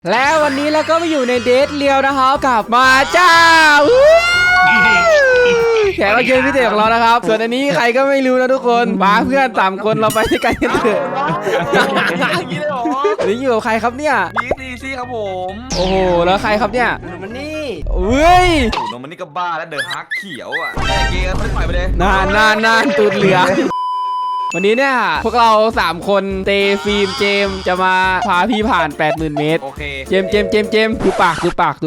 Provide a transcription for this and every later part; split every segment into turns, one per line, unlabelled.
แล้ววันนี้เราก็มาอยู่ในเดทเรียวนะครับกับมาจ้าแขกรับเชิญพิเศษของเรานะครับส่วนอันนี้ใครก็ไม่รู้นะทุกคนมาเพื่อน3 คนเราไปด้วยกันเถอะนี่อยู่กับใครครับเนี่ย
ดีซี่ครับผม
โอ้โหแล้วใครครับเนี่ย
มันนี่
เฮ้ย
โนมันนี่ก็บ้าแล้วเดอะฮักเขียวอ่ะเกย์ไม่ปล่อยไปเลย
นานตูดเหลือวันนี้เนี่ยพวกเรา3 คนเตฟิล์มเจมจะมาพาพี่ผ่าน 80,000 เมตร
โอเค
เจมดูปาก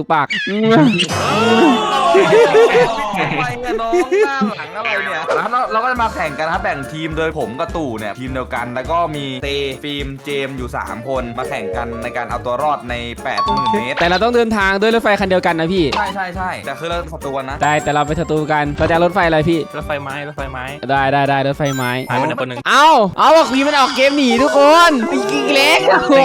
ไปเงี้ยน้องหน้าหลังอะไรเนี่ยเราก็จะมาแข่งกันครับแบ่งทีมโดยผมกับตู่เนี่ยทีมเดียวกันแล้วก็มีเตฟิล์มเจมอยู่3 คนมาแข่งกันในการเอาตัวรอดใน 80,000 เมตร
แต่เราต้องเดินทางด้วยรถไฟคันเดียวกันนะพี่
ใช่แต่คือเราศัตรูกันนะ
แต่เราไปศัตรูกันเราจะรถไฟอะไรพี่
รถไฟไม้
ได้รถไฟไม้
หายไปคนหนึ่ง
เอาว่าคุยมันออกเกมหนีทุกคนอีกเล็กโอ้โห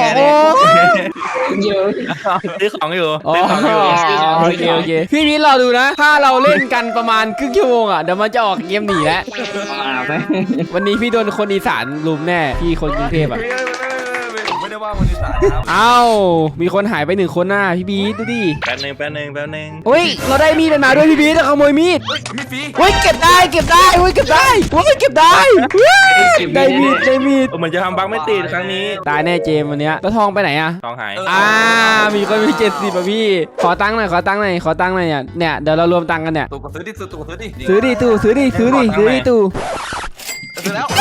ซื้อของอยู่
โอเคพี่มิ้นรอดูนะถ้าเราเล่นกันประมาณครึ่งชั่วโมงอ่ะเดี๋ยวมันจะออกเกมหนีแล้ววันนี้พี่โดนคนอีสานลุมแน่พี่คนกรุงเทพอ่ะ
ไม่ได้ว่าคนอีสานครับ
มีคนหายไป1 คนน่ะพี่บีดูดิ
แป๊บนึง
เฮ้ยเราได้มีดมาด้วยพี่บีจะขโมยมีด
มีฟรี
เฮ้ยเก็บได้เก็บได้ได้มีด
เหมือนจะทำบั๊กไม่ติดครั้งนี้
ตายแน่เจมวันเนี้ยแล้วทองไปไหนอะ
ทองหาย
มีคนมี70ป่ะพี่ขอตังค์หน่อยเนี่ยเดี๋ยวเรารวมตังค์กันเนี่ย
ตู่ซื้อดิตู่
ซื้อดิตู่ซื้อดิ
ซื้อแล้ว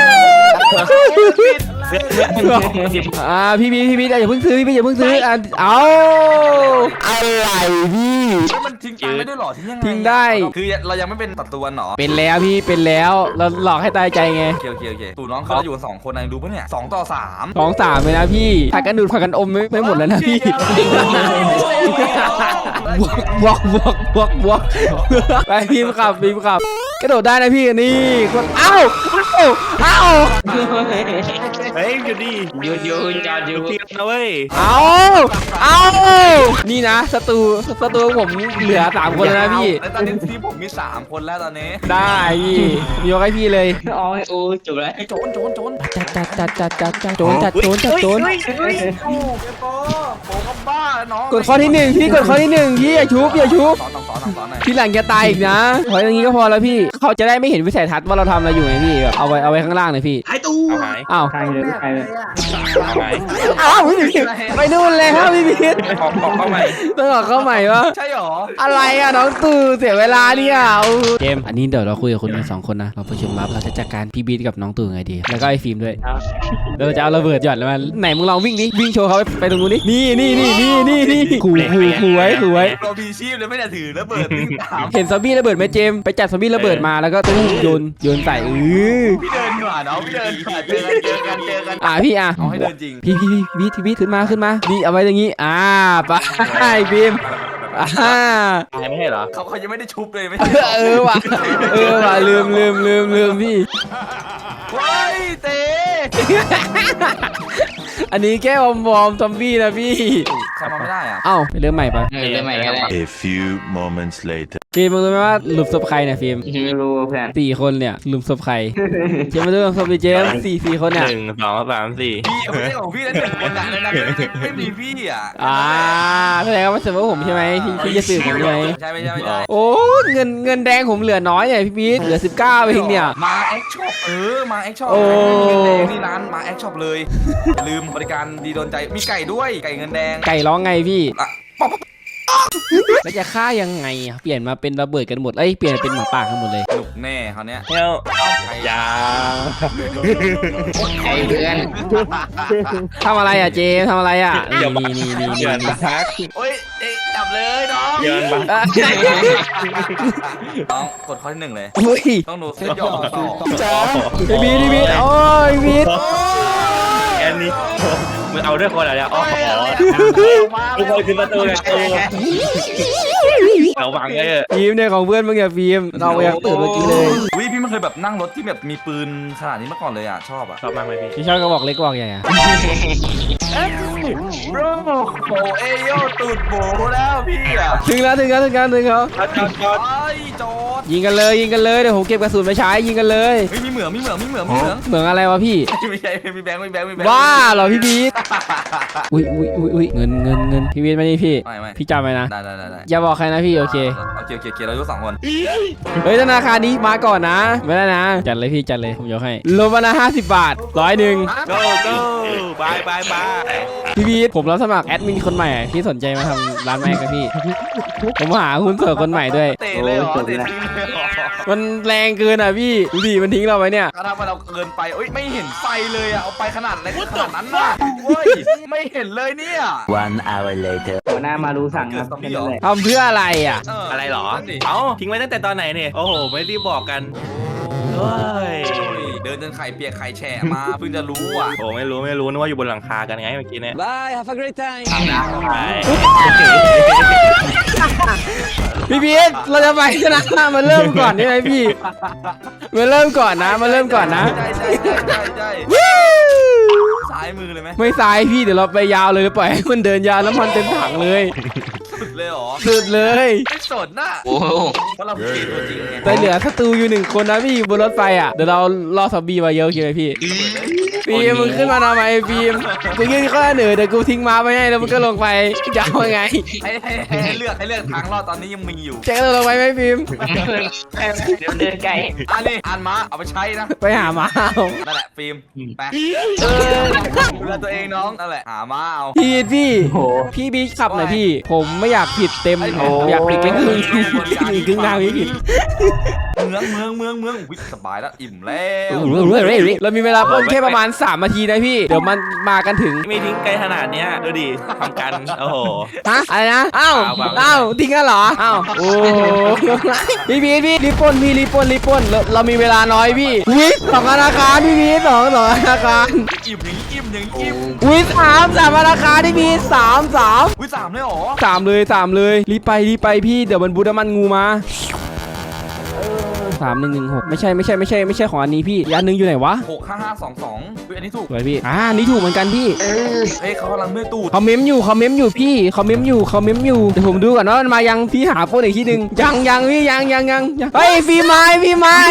พี่อย่าเพิ่งซื้อพี่อย่าเพิ่งซื้อเอาอะไรพี่
มันทิ้งตังค์ได้ด้วยหรอ
ทิ้งได้
คือเรายังไม่เป็นศัตรูกันหรอ
เป็นแล้วพี่เป็นแล้วเราหลอกให้ตายใจไง
โอเคตู่น้องเขาอยู่2 คนนะดูปะเนี่ย2 ต่อ 3
2-3เลยนะพี่ผักกันดูดผักกันอมไม่หมดแล้วนะพี่บวกไปพิมพ์ขับกระโดดได้นะพี่นี่คนเอ้า
เฮ้ยอยู่ดิอยู่จอดอยู่พี่นะเว้ย
เอานี่นะศัตรูผมเหลือ3 คนแล้วนะพี่
ตอนนี้ทีมผมมี3 คนแล้วตอนนี้
ได้พี่ยกให้พี่เลย
โอ้จบแล้ว
โจร
จัดโจร
โปก็บ้าน้อง
กดข้อที่1พี่กดข้อที่1พี่อย่าชุบทีหลังจะตายอีกนะพออย่างนี้ก็พอแล้วพี่เขาจะได้ไม่เห็นวิสัยทัศน์ว่าเราทำอะไรอยู่ไงพี่แบบเอาไว้ข้างล่างเลยพี่
หายตู้
ใครเลยไปนู่นเลยครับพี่พีท
เข้าใหม่
ต้องออกเข้าใหม่วะ
ใช่หรอ
อะไรอ่ะน้องตู่เสียเวลาเนี่ยเกมอันนี้เดี๋ยวเราคุยกับคน2 คนนะเราประชุมลับเราจะจัดการพี่บีทกับน้องตู่ไงดีแล้วก็ไอ้ฟิล์มด้วยเราจะเอาระเบิดหยอดแล้วมาไหนมึงลองวิ่งดิวิ่งโชว์เขาไปตรงนู้นดินี่ขู่ไว้
เรามีชีพเลยไม่ได้ถือระเบิดวิ่งตาม
เห็นซอมบี้ระเบิดไหมเจมไปจัดซอมบี้ระเบิดมาแล้วก็ต้องโยนใส่
พี่เดินหน่อยน้องพี่เดินเจอกัน
พี่
เอาให้เดินจริง
พี่ขึ้นมานี่เอาไว้อย่างงี้ไปบีม
ไม่ใช่เหรอ
เขายังไม่ได้ชุบเลยไม่
ว่ะลืมพี่
เฮ้ยเต๋
อันนี้แค่วอร์มซอมบี้นะพี่
เข้ามาไม่ได้อ่ะ
ไปเริ่มใหม่ปะ
เริ่มใหม่ก็ได้
A few moments later
ฟิล์มมึงรู้ไหมว่าหลุมศพใครเนี่ยฟิล์ม
ไม่รู้เพื่อน
4 คนเนี่ยหลุมศพใครเจมมาดูหลุมศพดิเจม4 คนเนี่ย
1 2 3 4
พี่ไม่ใช่ของพี่แล้ว1 คนนะไม่มีพี่อ่ะ
แสดงว่ามันเสมอผมใช่ไหมพี่จะสืบผมใช่ไหม
ใช่ไม่
โอ้เงินแดงผมเหลือน้อยเนี่ยพี่บีทเหลือ19เองเนี่ย
มาแอคช็อปมาแอคช็อปนี่ร้านมาแอคช็อปเลยลืมบริการดีโดนใจมีไก่ด้วยไก่เงินแดง
ไก่ร้องไงพี่แล้วจะฆ่ายังไงเปลี่ยนมาเป็นระเบิดกันหมดเปลี่ยนเป็นหมาป่ากันหมดเลย
หนุกแน่เขาเนี้ย
อย่า
ไอ้เพื่อนทำอะไรอ่ะเจมทำอะไรอ่ะนี่
เดินบัก
โอ้ยจับเลยน้อง
เดินบัก
น้องกดข้อที่1เลยต้องดูเส้นย่อต่
อบีโอ้ยบี
แอนนี่มึงเอาด้วยคนอะไรทุกคนขึ้นประตูเลยเราวางไว้เออ
ฟิล์มเนี่ยของเพื่อนมึงอย่าฟิล์มเราอยากตื่นเมื่อกี้เลย
วิพี่ไม่เคยแบบนั่งรถที่แบบมีปืนขนาดนี้มาก่อนเลยอ่ะชอบอ่ะ
ชอบมากเลยพี่
พี่ชอบกระบอกเล็กกระบอกใหญ่อะ
โบเอโยตูดโบแล้วพี่อ่ะ
ถึงแล้ว
จอด
ไอ้จอด
ยิงกันเลยเดี๋ยวผมเก็บกระสุนไปใช้ยิงกันเลย
เฮ้ยมีเหมือง
เหมืองอะไรวะพี่
ไม่ใช่มีแบงค์
บ้าเหรอพี่บีทอุ้ยเงินพี่บีทมานี่พี่
ไม่
พี่จำไว้นะ
ได้
อย่าบอกใครนะพี่โอเค
โอเคเราอยู่2 คน
เฮ้ยธนาคารนี้มาก่อนนะไม่ได้นะจัดเลยพี่จัดเลยผมยกให้ลงมาละ50 บาท100
go go บาย
พี่บีทผมรับสมัครแอดมินคนใหม่พี่สนใจมาทำร้านแม่กับพี่ ผมหาหุ้นส่วนคนใหม่ด้วย
เตะเลยเหรอเตะทิ้งเลยเหรอ
มันแรงเกินอ่ะพี่ดูดิมันทิ้งเราไว้เนี่ย
ถ้าเราเกินไปไม่เห็นไฟเลยอ่ะเอาไปขนาดนั้นน่ะเว้ยไม่เห็นเลยเนี่ย
1 hour later.
หัวหน้ามารู้สั่ง
เกิ
ค
ด
รับ
ซอมบี้เหรอ
ทำเพื่ออะไรอ่ะ
อะไรหรอ
นั่นดิ
เอ้าทิ้งไว้ตั้งแต่ตอนไหนเนี่ยโอ้โหไม่รีบบอกกันเฮ้ย
เดินจนไข่เปียกไข่แฉะมาเพิ่งจะรู้อ่ะ
โอ้ไม่รู้นึกว่าอยู่บนหลังคากันไงเมื่อกี้เนี่ย
Bye have a great time
ใช่
พี่บีทเราจะไปชนะมาเริ่มก่อนใช่ไหมพี่มาเริ่มก่อนนะ
ใช่ซ้ายมือเลยไหม
ไม่ซ้ายพี่เดี๋ยวเราไปยาวเลยปล่อยให้มันเดินยาวน้ำมันเต็มถังเลย
สุดเลยเหรอ
สุดเลย
ไม่สนน่ะเพราะเราเก่งตัวจริงไง
แต่เหลือศัตรูอยู่1 คนนะพี่บนรถไฟอ่ะเดี๋ยวเราล่อซอมบี้มาเยอะโอเคไหมพี่ฟิล์มมึงขึ้นมาทำไมฟิล์มกูยื่นข้อเสนอเดี๋ยวกูทิ้งม้าไปให้แล้วมึงก็ลงไปจะเอาไง
ให้เลือกทางรอดตอนนี้ยังมีอยู่
เจ๊ก็ลงไปไหมฟิล์ม
เดี๋ยวเดินไกล
อันนี้อ่านมาเอาไปใช้นะ
ไปหาม้าเอา
นั่นแหละฟิล์มไปดูแลตัวเองน้องนั่นแหละหามาเอา
พี่บีขับหน่อยพี่ ผมไม่อยากผิดเต็มอยากผิดแค่ครึ่งอีกครึ่งทางพี่ผิด
เมืองวิสบายแล้วอิ่มแล้ว
เรามีเวลาปล้นแค่ประมาณ3 นาทีนะพี่เดี๋ยวมันมากันถึง
ไม่ทิ้งไกลขนาดเนี้ยดูดิทำกันโอ้โห
ฮะอะไรนะอ้าว
เปล่า
อ้าวทิ้งกันเหรออ้าวโอ้พี่บีรีบปล้นเรามีเวลาน้อยพี่วิ2 ธนาคารพี่บีสองธนาคาร
อิ่มอย่างอิ่ม
วิ3 ธนาคารพี่บีสาม
วิ3เลยเหรอ
3เลยรีบไปพี่เดี๋ยวมันบูดน้ำมันงูมา3116ไม่ใช่ของอันนี้พี่อีกอันนึงอยู่ไหนวะ
65522อันนี้ถูก
สวยพี่อันนี้ถูกเหมือนกันพี่
เฮ้ยเขากำลังเมื่อยตูด
เขาเม้มอยู่พี่เขาเม้มอยู่เดี๋ยวผมดูก่อนว่ามันมายังพี่หาโฟนอีกทีหนึ่งยังพี่ยังเฮ้ยพี่มาไอพี่มา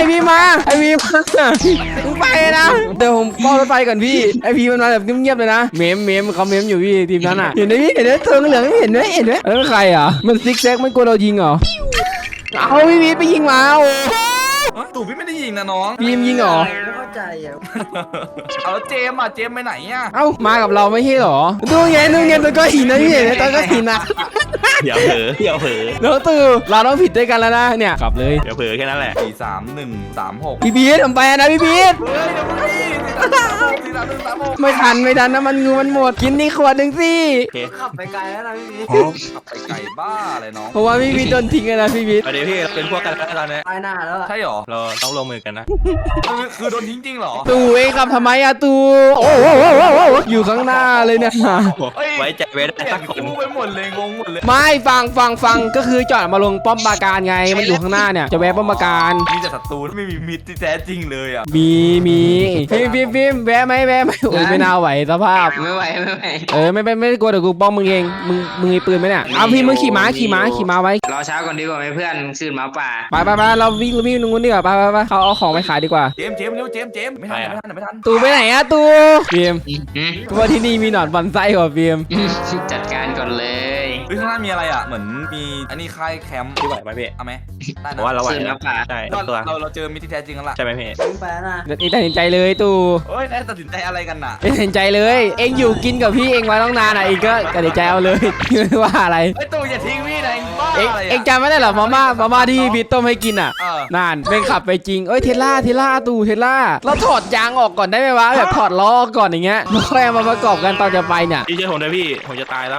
มึงไปนะเดี๋ยวผมเฝ้ารถไฟก่อนพี่ไอพี่มันมาแบบเงียบๆเลยนะเม้มเขาเม้มอยู่พี่ทีมนั้นอ่ะเห็นไหมพี่เห็นไหมเธอเหลืองเห็นไหมแล้วใครอ่ะมันซิกแซกไม่กลัวเรายิงเหรอเอาพี่บีไปยิงมาโอ้
ตู่พี่ไม่ได้ยิงนะน้อง
บีมยิงเหรอ
ไม่เข้าใจอ่ะ
เอาเจมไปไหนอ่ะ
เอ้ามากับเราไม่ใช่เหรอดูไงตัวก็หินนะพี่เห็นไหมตัวก็หินนะ
อย่าเผลอ
แล้วตื่นเราต้องผิดด้วยกันแล้วนะเนี่ยกลับเลย
อย่าเผลอแค่นั้นแหละ
43136
พี่บีทผมไปนะพี่บีท
เฮ้ยเดี๋ยวมึงดิ43136
ไม่ทันนะมันงูมันหมดกินนี่ขวดหนึ่งสิ
โอเค
ขับไปไกลแล้วนะพี่บี
ขับไปไกลบ้าเลยน้อง
เพราะว่าพี่บีทโดนทิ้งเลยนะพี่บีท
ประเดี๋ยวพี่เราเป็นพวกกันแล้วตอนนี้
ตายหน้าแล้วอะ
ใช่หรอ
เราต้องลงมือกันนะ
คือโดนทิ้งจริงเหรอ
ตู่เองขับทำไมอะตู่โอ้อยู่ข้างหน้าเลยเนี่ย
ไว้ใจไว้ได้
เปลี่ย
สั
น
กคน
คู่ไปหมดเลยงงหมดเลย
ไม่ฟังก็คือจอดมาลงป้อมปราการไงมันอยู่ข้างหน้าเนี่ยจะแวะป้อมปราการ
มีแต่ศัตรูไม่มีมิตรที่แท้จริงเลยอ่ะ
มีฟิล์มแวะไหมโอ้ยไม่น่าไหวสภาพ
ไม่ไหว
ไม่กลัวเดี๋ยวกูป้องมึงเองมึงมีปืนไหมเนี่ยเอาพี่มึงขี่ม้าไว้
รอเช้าก่อนดีกว่าไหมเพื่อนคืนหมาป่า
ไปเราวิ่งตรงนู้นดีกว่าไปเขาเอาของไปขายดีกว่า
เจมเร็วเจมไม่ทัน
ตู่ไปไหนอะตู่ฟิล์มกูว่าที่นี่มีหนอนบอนไส้กว่าฟิล์ม
จัดการก่อนเลย
เฮ้ยข้างหน้ามีอะไรอ่ะเหมือนมีอันนี้ค่ายแคมป์
พี่ไหวไหมพี่
เอาไหมได้
เพราะว่า
นะ
เราไหว
คืนห
นะ
มาป่า
ใช่
ก็
ตัว
เราเจอมิตรที่แท้จริงกันละ
ใช่ไหมพี่
ไปนะ
เดี๋ยวตัดสินใจเลยตู่
เฮ้ยตัดสินใจอะไรกันน่ะ
ตัดสินใจเลย เองอยู่กินกับพี่เองมาต้องนานอ่ะเองก็ตัดสินใจเอาเลย ไม่ว่าอะไร
ไอ้ตู่อย่าทิ้งพี่นะบ้า
เอง
อะไร
เองจำไม่ได้เหรอมาม่าที่พี่ต้มให้กินอ่ะ
เออ
นานเป็นขับไปจริงเอ้ยเทสลาตู่เทสลาเราถอดยางออกก่อนได้ไหมวะแบบถอดล้อก่อนอย่างเงี้ยแล้วค่อยเอามาประกอบกันตอนจะไปเนี่ย
พี่ช่วยผมด้วยพี่ผมจะตายแล้ว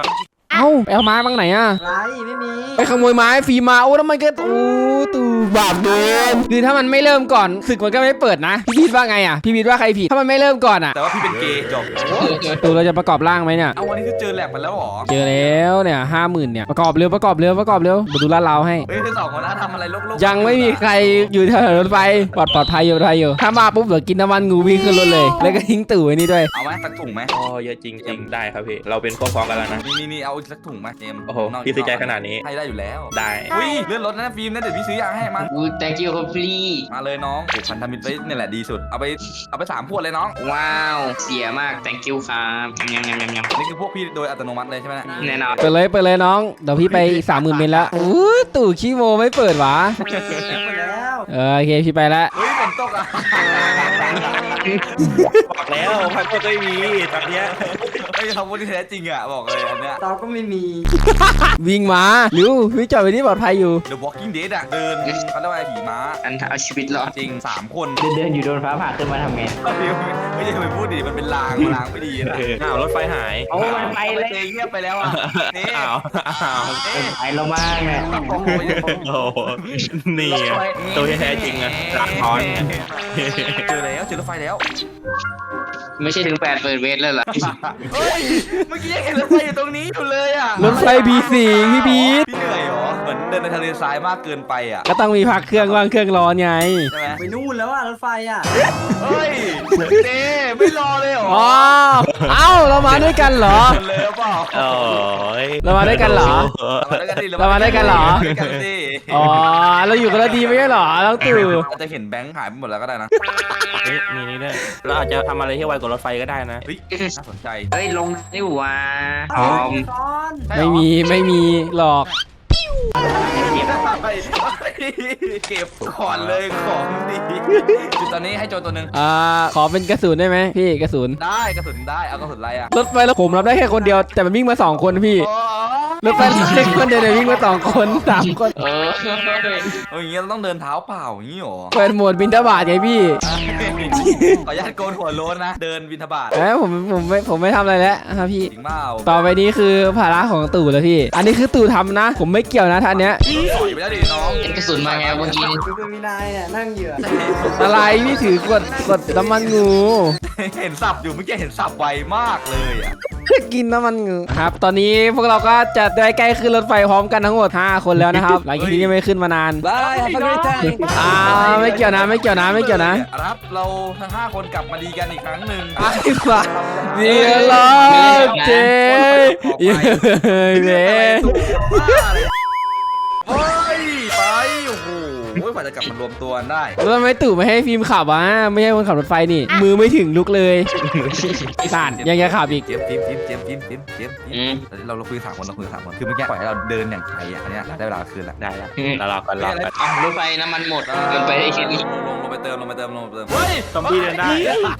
เอ้าไปเอาไม้บ้างไหนอ่ะ
ไรไม่มี
ไปขโมยไม้ฟรีมาโอ้แล้วมันก็โอ้ตู่บาปเดินคือถ้ามันไม่เริ่มก่อนศึกมันก็ไม่เปิดนะพี่พีทว่าไงอ่ะพี่พีทว่าใครผิดถ้ามันไม่เริ่มก่อนอ่ะ
แต่ว่าพี่เป็นเกย์จบ
ตู่เราจะประกอบร่างไหมเนี่ย
เอาวันนี้คือเจอแลบมาแล้วเหรอ
เจอแล้วเนี่ย50,000เนี่ยประกอบเร็วประกอบเร็วประกอบเร็วมาดูลาดเราให้
เฮ้ยคือ2 คนนะทำอะไรโลกๆ
ยังไม่มีใครอยู่แถวรถไฟปลอดภัยอยู่ถ้ามาปุ๊บเดี๋ยวกินน้ำมันงูวิ่งขึ้นรถเลยแล้วก็ทิ้งตู่ไว้นี่ด้วย
เอาไหมสักถุงไหม
อ๋อเยอะจริงได้ครับพี่เราเป็นพวกพ้องกันแล้วนะ
นี่เอาสักถุงไหมเจมส์
โอ้โหพี่ซื้อใจขนาดนี้
ให้ได้อยู่แล้ว
ได้
อุ้ยเลื่อนรถนะฟิล์มนะเดี๋ยวพี่ซื้อยาให้มา
กู thank you ครับพี่
มาเลยน้องผูกพันธมิตรไว้นี่แหละดีสุดเอาไป3 ขวดเลยน้อง
ว้าวเสียมาก thank you ครับยำ
นี่คือพวกพี่โดยอัตโนมัติเลยใช่ไหม
แน่นอน
เปิดเลยน้องเดี๋ยวพี่ไปอีก30,000 เมตรแล้วอู้ตู่ขี้โมไม่เปิดหวะโอเคพี่ไปแล้ว
เฮ้ยฝนตกอ่ะ
บอกแล้วพันก็ไม่มีตอนเนี้ย
เฮ้ยทำวันที่แท้จริงอ่ะบอกเลยอันเนี้ย
เราก็ไม่มี
วิ่งมาเร็วพี่จอดไว้ที่ปลอดภัยอยู่
The Walking Dead อ่ะเดินเขาเรียกว่าผีม้า
อันเอาชีวิตรอด
จริง3 คน
เดินอยู่โดนฟ้าผ่าขึ้นมาทำไง
ไม่ใช่ไปพูดดิมันเป็นลางไม่ดีนะ
อ้าวรถไฟหาย
โอ้มันไปเลย
เจเงียบไปแล้วอ่ะนี่
อ้าว
ไปเรามากเนี่ย
โอ้โห
โอ้โหนี่ไงตัวที่แท้จริงอะหลักท้อน
เจอรถไฟแล้ว
ไม่ใช่ถึง8 เปิดเวทเลยเหรอ
เฮ้ยเมื่อกี้ยังเห็นรถไฟอยู่ตรงนี้อยู่เลยอ่ะ
รถไฟบีสิงพี่พีท
พี่เหนื่อยเหรอเหมือนเดินในทะเลทรายมากเกินไปอ่ะ
ก็ต้องมีพักเครื่องว่างเครื่องร้อนไง
ใช่ไหม
ไปนู่นแล้วอ่ะรถไฟอ่ะ
เฮ้ยเจไม่รอเลยเหรอ
อ๋อเอ้าเรามาด้วยกันเหรอ
เลยหรือเปล่า
โอ้ย
เรามาด้วยกันเหรอ เรามาด้วยกันเหรอ
ด้วยกันสิ
อ๋อเราอยู่กันแล้วดีไม่ใช่เหรอน้องตู่
อาจจะเห็นแบงค์หายไปหมดแล้วก็ได้นะ
เฮ้ยมีนี่ด้วยเราอาจจะทำอะไรที่ไวกว่ารถไฟก็ได้นะ
เฮ้ยน่าสนใจ
เฮ้ยลงนี่หว่าพร้อม
ใช่เหรอ
ไม่มีหลอก
เก็บก่อนเลยของดีจุดตอนนี้ให้โจรตัวหนึ่ง
ขอเป็นกระสุนได้ไหมพี่กระสุน
ได้กระสุนได้เอากระสุนอะไรอ่ะ
รถไฟแล้วผมรับได้แค่คนเดียวแต่มันวิ่งมา2 คนพี่
อ๋อ
รถไฟรับได้คนเดียวแต่วิ่งมา2 คน3 คน
เอาอย่างเงี้ยเราต้องเดินเท้าเปล่าอย่างงี้หรอ
เปิดโหมดบินทบาทไงพี่
ขออนุญาตโกนหัวโล้นนะ เดินบิณฑบาต
ผมไม่ทำอะไรแล้วครับพี่
จริงเปล่า
ต่อไปนี้คือภาระของตู่แล้วพี่ อันนี้คือตู่ทำนะ ผมไม่เกี่ยวนะท่านเนี้ย
ถอยไปแล้วดิน้อง
เห็นกระสุนมาไงเมื่อกี้
คือมีนายอ่ะนั่งเหยื่อ
อะไรพี่ถือกดน้ำมันงู
เห็นสับอยู่เมื่อกี้เห็นสับไวมากเลยอ่ะ
กินน้ำมันงูครับ ตอนนี้พวกเราก็จะได้ใกล้ขึ้นรถไฟพร้อมกันทั้งหมด5 คนแล้วนะครับ หลังจากนี้ยังไม่ขึ้นมานาน
บายฮับเกรย์ไทม์
ไม่เกี่ยวนะครับ
เราทั้ง5 คนกลับมาดีกันอีกครั้งหนึ่ง
ไอ้บ้าเดี๋ยวรอเจ๊เย้เย้
เฮ้ยไปโอ้โหกว่าจะกลับมารวมตัวกันได้
แล้วทำไมตู่ไม่ให้ฟิล์มขับวะไม่ใช่คนขับรถไฟนี่ มือไม่ถึงลุกเลยสั่นยังจะขับอีก
เจมเราคุย3 คนคือเมื่อกี้ปล่อยให้เราเดินอย่างไทยอ่ะอันเนี้ยได้เวลาคืนละ
ได้แล้วเรารอก่อน
รถไฟน้ำมันหมดเกินไปได้แค่นี้
ลงไปเติมเฮ้ย
ซอมบี้เดินได้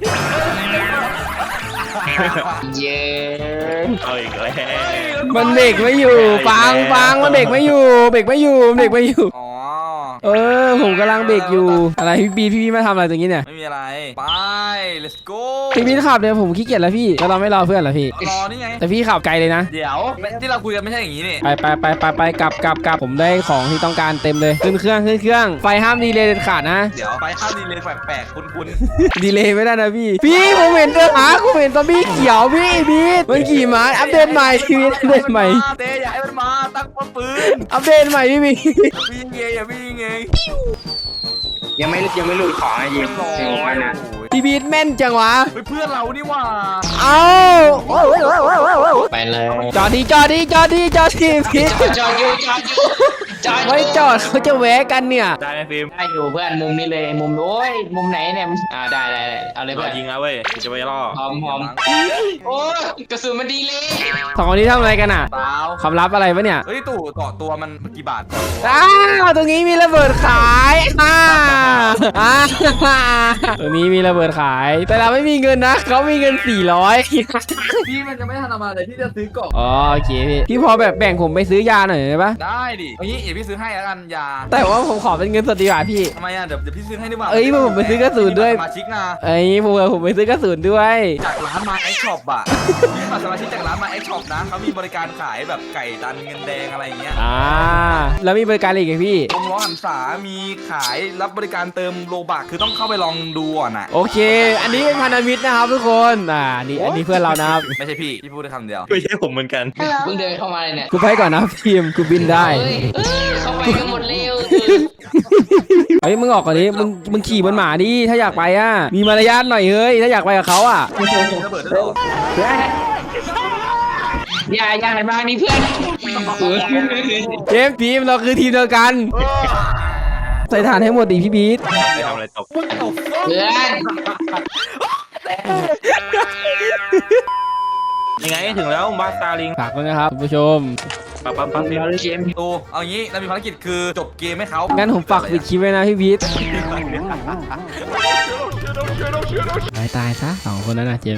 เย้
เอาอีกแล้ว
มันเบรกไม่อยู่ฟังมันเบรกไม่อยู่
อ๋อ
ผมกำลังเบรกอยู่อะไรพี่มาทำอะไรตรงนี้เนี่ย
ไม่มีอะไรไป let's go
พี่ขับเนี่ยผมขี้เกียจแล้วพี่แล้วเราไม่รอเพื่อนเหรอพี่
รอนี่ไง
แต่พี่ขับไกลเลยนะ
เดี๋ยวที่เราคุยกันไม่ใช่อย่างนี้นี่
ไปกลับผมได้ของที่ต้องการเต็มเลยขึ้นเครื่องไฟห้ามดีเลยเด็ดขาดนะ
เดี๋ยวไปข้าวดีเลยแปลกๆคุณ
ดีเลยไม่ได้นะพี่ผมเห็นผมเห็นซอมบี้เขียวพี่บีทมันขี่ม้าอัปเดตใหม่ชีวิตอัปเดตใหม่
เต้อย่าให้มันมาตั้งป้อมปืน
อัปเดตใหม่พี่บี
อย่าพี่ยิงเอง
ยังไม่หลุดของอ่ะยิงจริงมันนะ
พี่บีทแม่นจังวะ
เพื่อนเรานี่ว่า
เอา
ไปเลย
จอดดีพี่
จอดอยู่
ไม่จอดเขาจะแวะกันเนี่ย
ได้ไหมฟิล์ม
ได้อยู่เพื่อนมุมนี้เลยมุมโอ้ยมุมไหนเนี่ยได้เอาเลย
ร
เพื่
อ
อน
ยิงแล้วเว้ยจะไปล่อ
พร้อมโอ้ยกระสุนมันดีเลย
2 คนนี้ทำอะไรกันอ่ะ
เปล่า
ความลับอะไรปะเนี่ย
เฮ้ยตู่เกาะตัวมันกี่บาทก่อน
ตรงนี้มีระเบิดขายตรงนี้มีระเบิดขาย แต่เราไม่มีเงินนะเขามีเงิน400
พี่มันจะไม่ทันมาเลยที่จะซื้อเกาะ
อ๋อโอเคพี่พอแบบแบ่งผมไปซื้อยาหน่อยได้ปะ
ได้ดิเอางี้พี่ซื้อให้แล้วกันอย่า
แต่ว่าผมขอเป็นเงินสดดีกว่าพี่
ทำไมอ่ะเดี๋ยวพี่ซื้อให้ดีกว่า
เอ้ยผมไปซื้อกระสุนด้วย
สมาชิกนะ
ไอ้ผมไปซื้อกระสุนด้วย
จากร้านมาไอช็อปอ่ะพี่มาสมาชิกจากร้านมาไอช็อปนะเขามีบริการขายแบบไก่ตันเงินแดงอะไรอย่างเงี้ย
แล้วมีบริการอะไรอีกไหมพี่
วงล้อหันษามีขายรับบริการเติมโลบักคือต้องเข้าไปลองดูก่อนอ่ะ
โอเค อันนี้เป็นพันธมิตรนะครับทุกคนอันนี้เพื่อนเรานะครับ
ไม่ใช่พี่พูดได้คำเดียว
ไม่ใช่ผมเหมือนกัน
เพิ่งเดินเข้ามาเลยเนี่ย
กูไปก่อนนะทีมกูบินได้
เฮ้ยเข้าไปกันหมดเร็ว
เฮ้ยมึงออกก่อนดิมึงขี่บนหมาดิถ้าอยากไปอ่ะมีมารยาทหน่อยเฮ้ยถ้าอยากไปกับเขาอ่ะ
ระเบิดด้วยเหรอ
อย่าหันมานี่เพื่อน
เจมส์ทีมเราคือทีมเดียวกัน ใส่ฐานให้หมดดิพี่บีท
ไม่ทำอะไรตก
เพื่อน
ยังไงถึงแล้วบ้านสตาร์ลิง
ฝากด้วยนะครับคุณผู้ชม
ปั๊บฟิล์ม
ตูเอางี้เรามีภารกิจคือจบเกมให้เขา
งั้นผมฝากปิดคลิปไว้นะพี่บีทตายซะสองคนนั้นนะเจมส์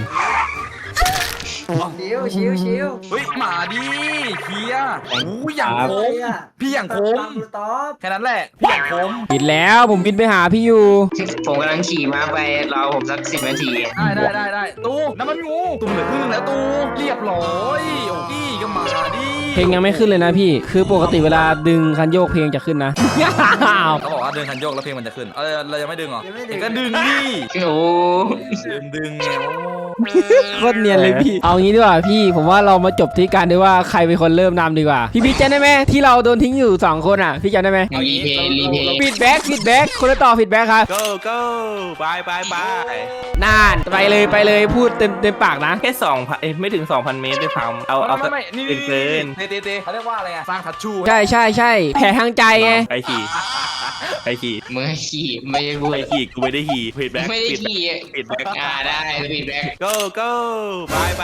ชิว
เฮ้ยหมาดิเฮียโอ้ยอย่างโค้งพี่อย่างโค้ง
ต๊อบ
แค่นั้นแหละพี่อย่างโค้ง
ปิดแล้วผมบินไปหาพี่อยู่
ผมกำลังขี่ม้าไปรอผมสัก10 นาที
ได้ตูน้ำมันงูตูเหลือครึ่งแล้วตูเรียบร้อยโอ้กี้ก็มาดิ
เพลงยังไม่ขึ้นเลยนะพี่ คือปกติเวลาดึงคันโยกเพลงจะขึ้นนะ
เขาบอกว่าเดินคันโยกแล้วเพลงมันจะขึ้นเรายังไม่ดึงเหรอเองก็ดึงดิ
โอ้
ดึงไง
โคตรเนียนเลยพี่ เอางี้ดีกว่าพี่ ผมว่าเรามาจบที่การด้วยว่าใครเป็นคนเริ่มนำดีกว่า พี่จำได้ไหมที่เราโดนทิ้งอยู่2คนอ่ะ พี่จำได้ไหม
รีเพย์
ฟีดแบ็กคนละต่อฟีดแบ็กครับ
go ไป
น่านไปเลยพูดเต็มปากนะ
แค่2,000ไม่ถึง 2,000 เมตรด้วยซ้ำเอา
ไม่นี่
เกิน
เตเขาเรียกว่าอะไรอะสร้างทัชชู
ใช่แผลทางใจไง
ใครขี่
มือขี่ไม่ได้พู
ใค
ด
รขี่กูไม่ได้ขี่ผิดแบ็ค
ไม่ได้ขี่
ผิดแบ็ค
ได้ผิดแบ็ค
go ไป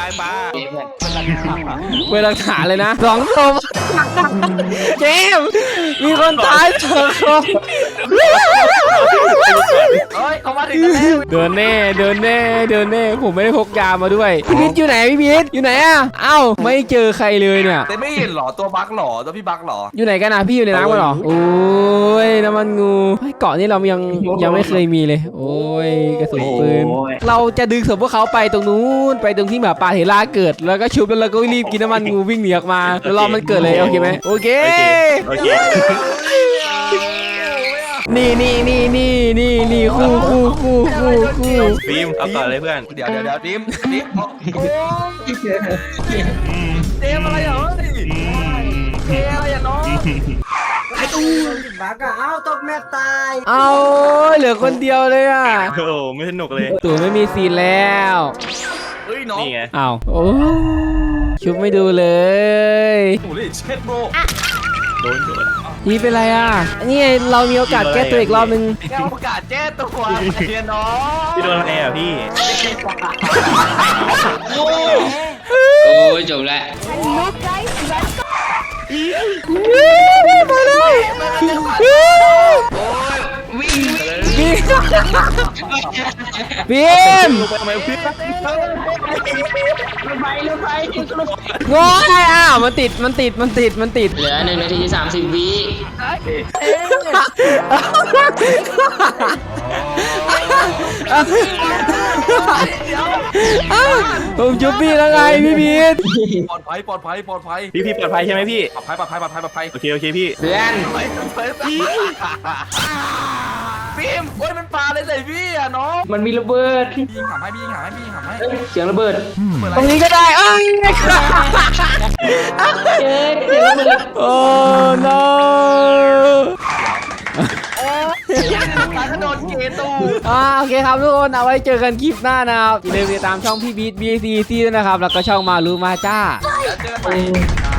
เวลาขาเลยนะ2 ศพเจมส์มีคนตาย2 ศพ
เฮ้ยเขามาถึงแล้ว
เดินแน่ผมไม่ได้พกยามาด้วยพี่พีทอยู่ไหนพี่พีทอยู่ไหนอ่ะเอ้าไม่เจอใครเลยเนี่ย
แต่ไม่เห็นหรอตัวบั๊กหรอตัวพี่บั๊กหรอ
อยู่ไหนกันนะพี่อยู่ในน้ำกันเหรอโอ้ยน้ำมันงูเฮ้ยเกาะนี่เรายังไม่เคยมีเลย โอ้ยกระสุนปืนเราจะดึงศพพวกเขาไปตรงนู้นไปตรงที่หมาป่าเทล่าเกิดแล้วก็ชุบแล้วเราก็รีบกินน้ำมันงูวิ่งหนีออกมาแล้วรอมันเกิดเลยโอเคไหมโอเค นี่คู่
ฟิล์มเอาต่อเลยเพื่อน
เดี๋ยวดิมโอ้เจมอะไรเหรอเจมอะไรอ่ะน้อง
บักอะเอ้าตกแม่ตาย
เอาเหลือคนเดียวเลยอ่ะ
โอ้ไม่สนุกเลย
ตู่ไม่มีซีนแล้ว
เฮ้ยน้อง
นี่ไง
อ้าวโอ้ชุบไม่ดูเลย
โอ้ยเช็ดโบ
โดน
นี่เป็นไรอ่ะนี่ไงเรามีโอกาสแก้ตัวอีกรอบนึง
แกโอกาสแจ้ตัวไอ้น้อง
พี่โดนอะไรอ่ะพี่
โอ้ยจบแล้ว
มาเลย
วิ่ง
บีม
ลงไปทำไมพี่
งอยอ้าวมันติด
เหลือ1 นาที 30 วิ
ผมจุบพี่แล้วไงพี่บีท
ปลอดภัย
พี่ปลอดภัยใช่ไหมพี่
ปลอดภัย
โอเคพี่
เพื่อน
ฟิล์มโอ้ยมันปลาเลยใส่พี่อ่ะน้อง
มันมีระเบิด
พี่ยิงหามให้
เสียงระเบิด
ตรงนี้ก็ได้อ้าวโอ้ no
กระโดดเกตู
โอเคครับทุกคนเอาไว้เจอกันคลิปหน้านะครับอย่าลืมติดตามช่องพี่บีท BACC ด้วยนะครับแล้วก็ช่องมารู้มาจ้า
แล้วเจอกันใหม่